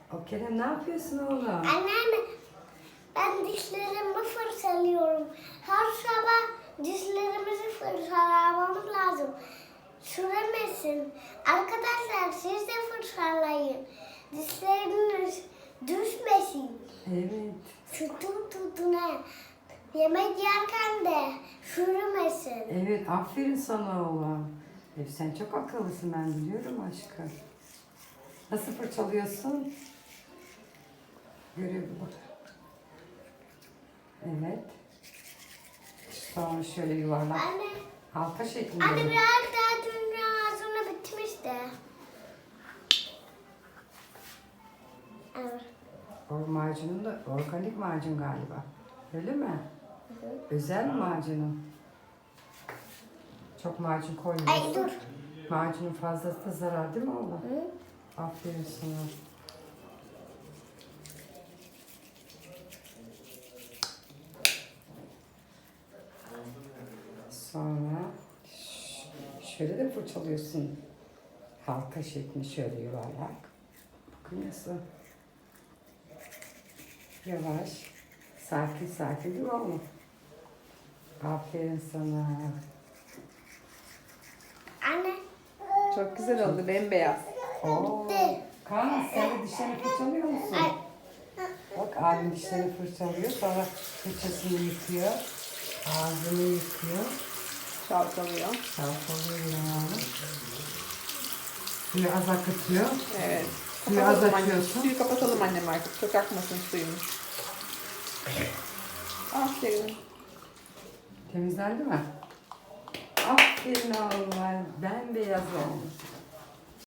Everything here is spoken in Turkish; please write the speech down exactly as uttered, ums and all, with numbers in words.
O Kerem ne yapıyorsun oğlum? Anneanne, ben dişlerimi fırçalıyorum. Her sabah dişlerimizi fırçalamamız lazım. Sürmesin. Arkadaşlar siz de fırçalayın. Dişleriniz düşmesin. Evet. Sütun tutuna. Yemek yerken de sürmesin. Evet, aferin sana oğlum. E, sen çok akıllısın, ben biliyorum aşkım. Nasıl fırçalıyorsun? Görev bak. Evet. Sonra şöyle yuvarlak. Anne, Halka şeklinde. anne biraz daha dünya ağzına bitmişti. Evet. O macunun da organik macun galiba. Öyle mi? Hı hı. Özel mi macunun? Çok macun koymuyorsun. Ay dur. Macunun fazlası da zarar değil mi oğlum? Hı? Aferin sana. Sonra ş- şöyle de fırçalıyorsun. Halka şeklinde şöyle yuvarlak. Bakın nasıl. Yavaş. Sakin sakin değil mi oğlum? Aferin sana. Anne. Çok güzel oldu, bembeyaz. Oo. Bitti. Kaan sen de dişlerini fırçalıyor musun? Ay. Bak abim dişlerini fırçalıyor. Sonra fırçasını yıkıyor. Ağzını yıkıyor. Çalkalıyor. Çalkalıyor yani. Suyu az akıtıyor. Evet. Suyu az Kapatalım annem. açıyorsun. Suyu kapatalım annem artık. Çok akmasın suyumuz. Aferin. Temizlendi mi? Aferin oğlum. Bembeyaz olmuş.